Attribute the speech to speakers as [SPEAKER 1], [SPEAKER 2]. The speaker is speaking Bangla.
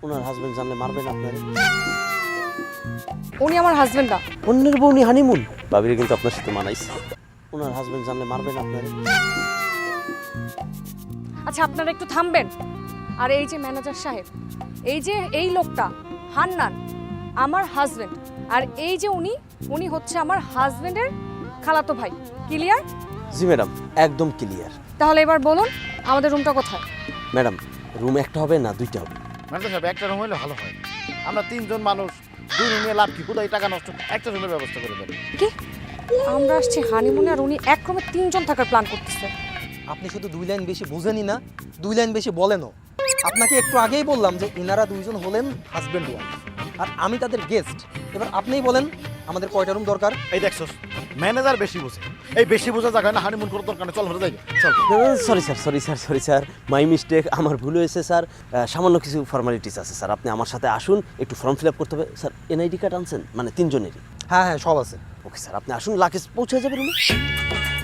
[SPEAKER 1] ওনার হাজবেন্ড জানলে মারবেন আপনারে।
[SPEAKER 2] উনি আমার হাজবেন্ড না।
[SPEAKER 1] অন্যের বউ নিয়ে হানিমুন? ভাবিরে কিন্তু আপনার সাথে মানাইছে। ওনার হাজবেন্ড জানলে মারবেন আপনারে।
[SPEAKER 2] আচ্ছা আপনারা একটু থামবেন। আর এই যে ম্যানেজার সাহেব, এই লোকটা হান্নান আমার হাজবেন্ড, আর এই যে উনি হচ্ছে আমার হাজবেন্ডের খালাতো ভাই। ক্লিয়ার?
[SPEAKER 1] জি ম্যাডাম, একদম ক্লিয়ার।
[SPEAKER 2] তাহলে এবার বলুন আমাদের রুমটা কোথায়?
[SPEAKER 1] ম্যাডাম, রুম একটা হবে না দুইটা হবে?
[SPEAKER 3] ম্যানেজার সাহেব একটা রুম হলে ভালো হয়। আমরা তিনজন মানুষ, দুই রুমে লাভ কি? কোথায় টাকা নষ্ট, একটা রুমের ব্যবস্থা করে দেন।
[SPEAKER 2] কি? আমরা আসছি হানিমুনে আর উনি এক রুমে তিনজন থাকার প্ল্যান করতেছে।
[SPEAKER 4] আপনি শুধু 2 লাইন বেশি বোঝেনই না, 2 লাইন বেশি বলেনও। আপনাকে একটু আগেই বললাম যে ইনারা দুইজন হলেন হাজব্যান্ড ওয়াইফ, আর আমি তাদের গেস্ট। এবার আপনিই বলেন আমাদের কয়টা রুম দরকার?
[SPEAKER 3] এই দেখছস, ম্যানেজার বেশি বোঝে। এই বেশি বোঝা জায়গায় না হানিমুন করার দরকার নেই। চল ঘরে যাই, চল।
[SPEAKER 1] সরি স্যার, মাই মিস্টেক, আমার ভুল হয়েছে স্যার। সামান্য কিছু ফর্মালিটিস আছে স্যার, আপনি আমার সাথে আসুন, একটু ফর্ম ফিল আপ করতে হবে। স্যার এনআইডি কার্ড আনছেন? মানে তিনজনেরই?
[SPEAKER 4] হ্যাঁ হ্যাঁ, সব আছে।
[SPEAKER 1] ওকে স্যার, আপনি আসুন, লাকেজ পৌঁছে যাবে রুমে।